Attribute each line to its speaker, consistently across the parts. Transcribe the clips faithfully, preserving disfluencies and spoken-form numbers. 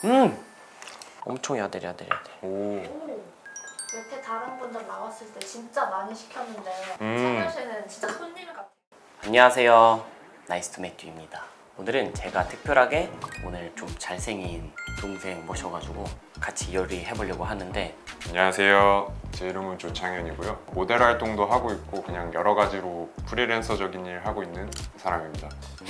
Speaker 1: 음 엄청 야들야들야들.
Speaker 2: 오.
Speaker 3: 여태 다른 분들 나왔을 때 진짜 많이 시켰는데
Speaker 2: 음.
Speaker 3: 찬열 씨는 진짜 손님 같아요.
Speaker 1: 안녕하세요, 나이스 투 매튜입니다. 오늘은 제가 특별하게 오늘 좀 잘생긴 동생 모셔가지고 같이 요리해보려고 하는데,
Speaker 2: 안녕하세요. 제 이름은 조창현이고요. 모델 활동도 하고 있고 그냥 여러 가지로 프리랜서적인 일 하고 있는 사람입니다.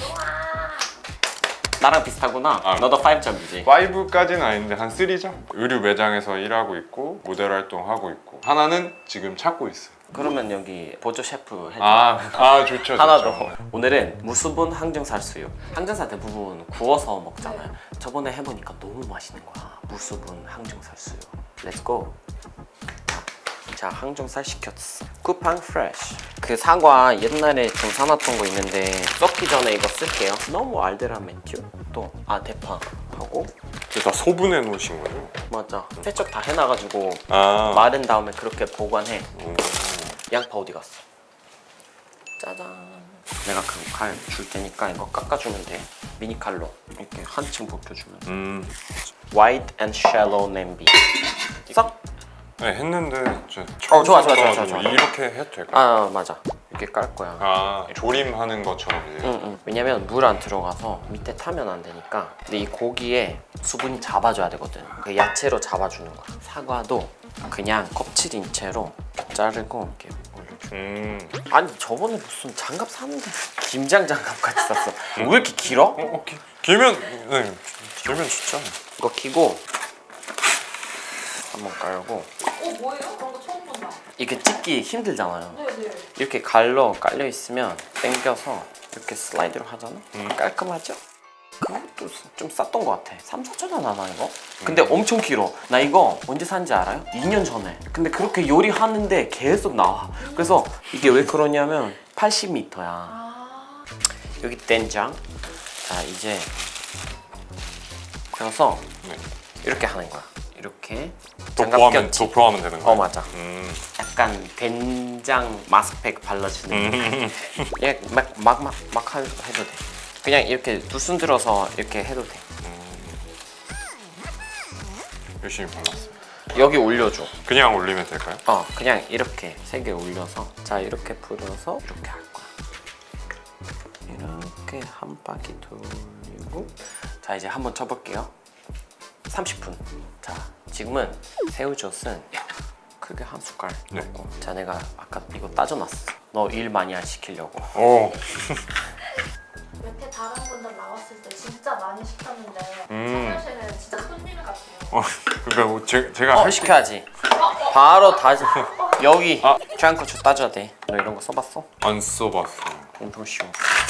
Speaker 1: 나랑 비슷하구나.
Speaker 2: 아.
Speaker 1: 너도 오 점이지?
Speaker 2: 오까지는 아닌데 한 삼 점? 의류 매장에서 일하고 있고 모델 활동하고 있고 하나는 지금 찾고 있어요.
Speaker 1: 그러면 여기 보조 셰프 해줘.
Speaker 2: 아, 아 좋죠.
Speaker 1: 하나
Speaker 2: 좋죠.
Speaker 1: 더. 오늘은 무수분 항정살 수육. 항정살 대부분 구워서 먹잖아요. 저번에 해보니까 너무 맛있는 거야. 무수분 항정살 수육. 렛츠고. 자, 항정살 시켰어. 쿠팡 프레쉬. 그 사과 옛날에 좀 사놨던 거 있는데 썩기 전에 이거 쓸게요. 너무 알데란 매튜. 또, 아, 대파 하고.
Speaker 2: 이게 다 소분해 놓으신 거죠?
Speaker 1: 맞아. 세척 다 해놔가지고
Speaker 2: 아.
Speaker 1: 마른 다음에 그렇게 보관해.
Speaker 2: 오.
Speaker 1: 양파 어디 갔어? 짜잔. 내가 그 칼 줄 테니까 이거 깎아주면 돼. 미니 칼로 이렇게 한층 벗겨주면 돼.
Speaker 2: 음.
Speaker 1: White and shallow 냄비. 썩?
Speaker 2: 네, 했는데 저
Speaker 1: 어, 좋아, 좋아, 좋아, 좋아, 좋아.
Speaker 2: 이렇게 해도 될까요?
Speaker 1: 아, 맞아. 이렇게 깔 거야.
Speaker 2: 아, 조림하는 것처럼 이제.
Speaker 1: 응, 응. 왜냐면 물 안 들어가서 밑에 타면 안 되니까. 근데 이 고기에 수분이 잡아줘야 되거든. 그 야채로 잡아주는 거야. 사과도 그냥 껍질인 채로 자르고 이렇게 올려줘.
Speaker 2: 음.
Speaker 1: 아니, 저번에 무슨 장갑 샀는데 김장 장갑 같이 샀어. 왜 이렇게 길어?
Speaker 2: 어, 어, 기, 길면 네, 길면 좋죠.
Speaker 1: 이거 키고 한번 깔고.
Speaker 3: 어 뭐예요? 그런 거 처음 본다.
Speaker 1: 이게 찍기 힘들잖아요.
Speaker 3: 네네.
Speaker 1: 이렇게 갈로 깔려 있으면 당겨서 이렇게 슬라이드로 하잖아.
Speaker 2: 음.
Speaker 1: 깔끔하죠? 그것도 좀 쌌던 것 같아. 삼, 사천 원 하나 이거? 근데 엄청 길어. 나 이거 언제 산지 알아요? 이 년 전에. 근데 그렇게 요리하는데 계속 나와. 그래서 이게 왜 그러냐면 팔십 미터야.
Speaker 3: 아.
Speaker 1: 여기 된장. 자, 이제 그래서
Speaker 2: 네.
Speaker 1: 이렇게 하는 거야. 이렇게
Speaker 2: 도포하면
Speaker 1: 장갑 꼈지?
Speaker 2: 도포하면 되는 거예요.
Speaker 1: 어, 맞아.
Speaker 2: 음.
Speaker 1: 약간 된장 마스크팩 발라주는
Speaker 2: 음.
Speaker 1: 예, 막막막 막, 막 해도 돼. 그냥 이렇게 두 손 들어서 이렇게 해도 돼.
Speaker 2: 열심히 발랐어요.
Speaker 1: 여기 올려줘.
Speaker 2: 그냥 올리면 될까요?
Speaker 1: 어, 그냥 이렇게 세 개 올려서, 자, 이렇게 풀어서 이렇게 할 거야. 이렇게 한 바퀴 돌리고, 자, 이제 한번 쳐볼게요. 삼십 분. 자, 지금은 새우젓은 크게 한 숟갈
Speaker 2: 네.
Speaker 1: 넣고. 자, 내가 아까 이거 따져놨어. 너 일 많이 안 시키려고.
Speaker 2: 오.
Speaker 3: 여태 다른 분들 나왔을 때 진짜 많이 시켰는데
Speaker 2: 음.
Speaker 3: 찬열 씨는 진짜 손님 같아요.
Speaker 2: 어, 그러니까 뭐 제, 제가
Speaker 1: 어,
Speaker 2: 할 수-
Speaker 1: 시켜야지. 바로 다져. 여기
Speaker 2: 아.
Speaker 1: 주안고추 따줘야 돼. 너 이런 거 써봤어?
Speaker 2: 안 써봤어요.
Speaker 1: 엄청 쉬워.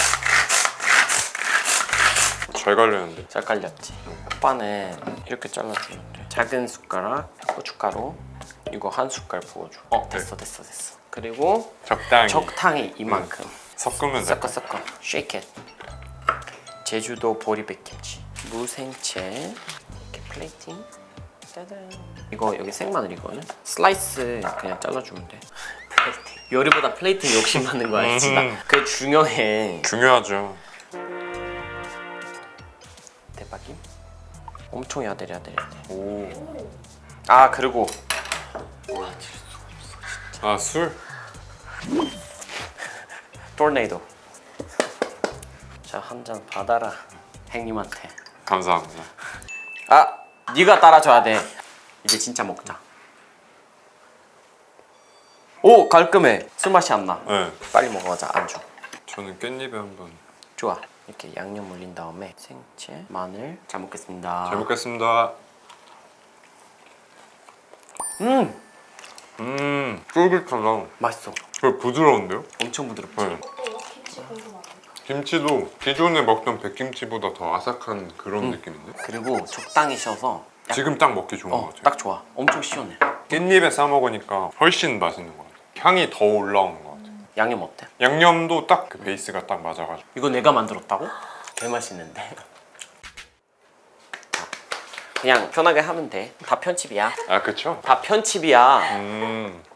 Speaker 2: 잘 갈렸는데.
Speaker 1: 잘 깔렸지. 오빠는 이렇게 잘라주면 돼. 작은 숟가락 고춧가루 이거 한 숟갈 부어줘. 어, 됐어 됐어 됐어. 그리고
Speaker 2: 적당히
Speaker 1: 적당히 이만큼
Speaker 2: 섞으면 돼.
Speaker 1: 섞어 섞어 shake it. 제주도 보리백김치 무생채 이렇게 플레이팅. 짜잔. 이거 여기 생마늘이거든. 슬라이스 그냥 잘라주면 돼. 플레이팅. 요리보다 플레이팅 욕심 많는 거 알지? 나
Speaker 2: 음.
Speaker 1: 그게 중요해.
Speaker 2: 중요하죠.
Speaker 1: 대박임. 엄청 야들야들.
Speaker 2: 오.
Speaker 1: 아, 그리고
Speaker 2: 아, 술?
Speaker 1: 토네이도. 자, 한 잔 받아라. 행님한테.
Speaker 2: 감사합니다.
Speaker 1: 아, 네가 따라줘야 돼. 이제 진짜 먹자. 오, 깔끔해. 술 맛이 안 나.
Speaker 2: 네.
Speaker 1: 빨리 먹어보자. 안주.
Speaker 2: 저는 깻잎에 한번.
Speaker 1: 좋아. 이렇게 양념 올린 다음에 생채, 마늘. 잘 먹겠습니다.
Speaker 2: 잘 먹겠습니다.
Speaker 1: 음,
Speaker 2: 음, 쫄깃하다.
Speaker 1: 맛있어.
Speaker 2: 그 부드러운데요?
Speaker 1: 엄청 부드럽지.
Speaker 2: 네.
Speaker 3: 또 김치 궁금하네.
Speaker 2: 김치도 기존에 먹던 백김치보다 더 아삭한 그런 느낌인데?
Speaker 1: 그리고 적당히 셔서. 약-
Speaker 2: 지금 딱 먹기 좋은 것
Speaker 1: 어,
Speaker 2: 같아요.
Speaker 1: 딱 좋아. 엄청 시원해.
Speaker 2: 깻잎에 싸 먹으니까 훨씬 맛있는 것 같아요. 향이 더 올라오는 것 같아요.
Speaker 1: 양념 어때?
Speaker 2: 양념도 딱 그 베이스가 딱 맞아가지고.
Speaker 1: 이거 내가 만들었다고? 개 맛있는데. 그냥 편하게 하면 돼. 다 편집이야.
Speaker 2: 아, 그쵸?
Speaker 1: 다 편집이야.
Speaker 2: 음,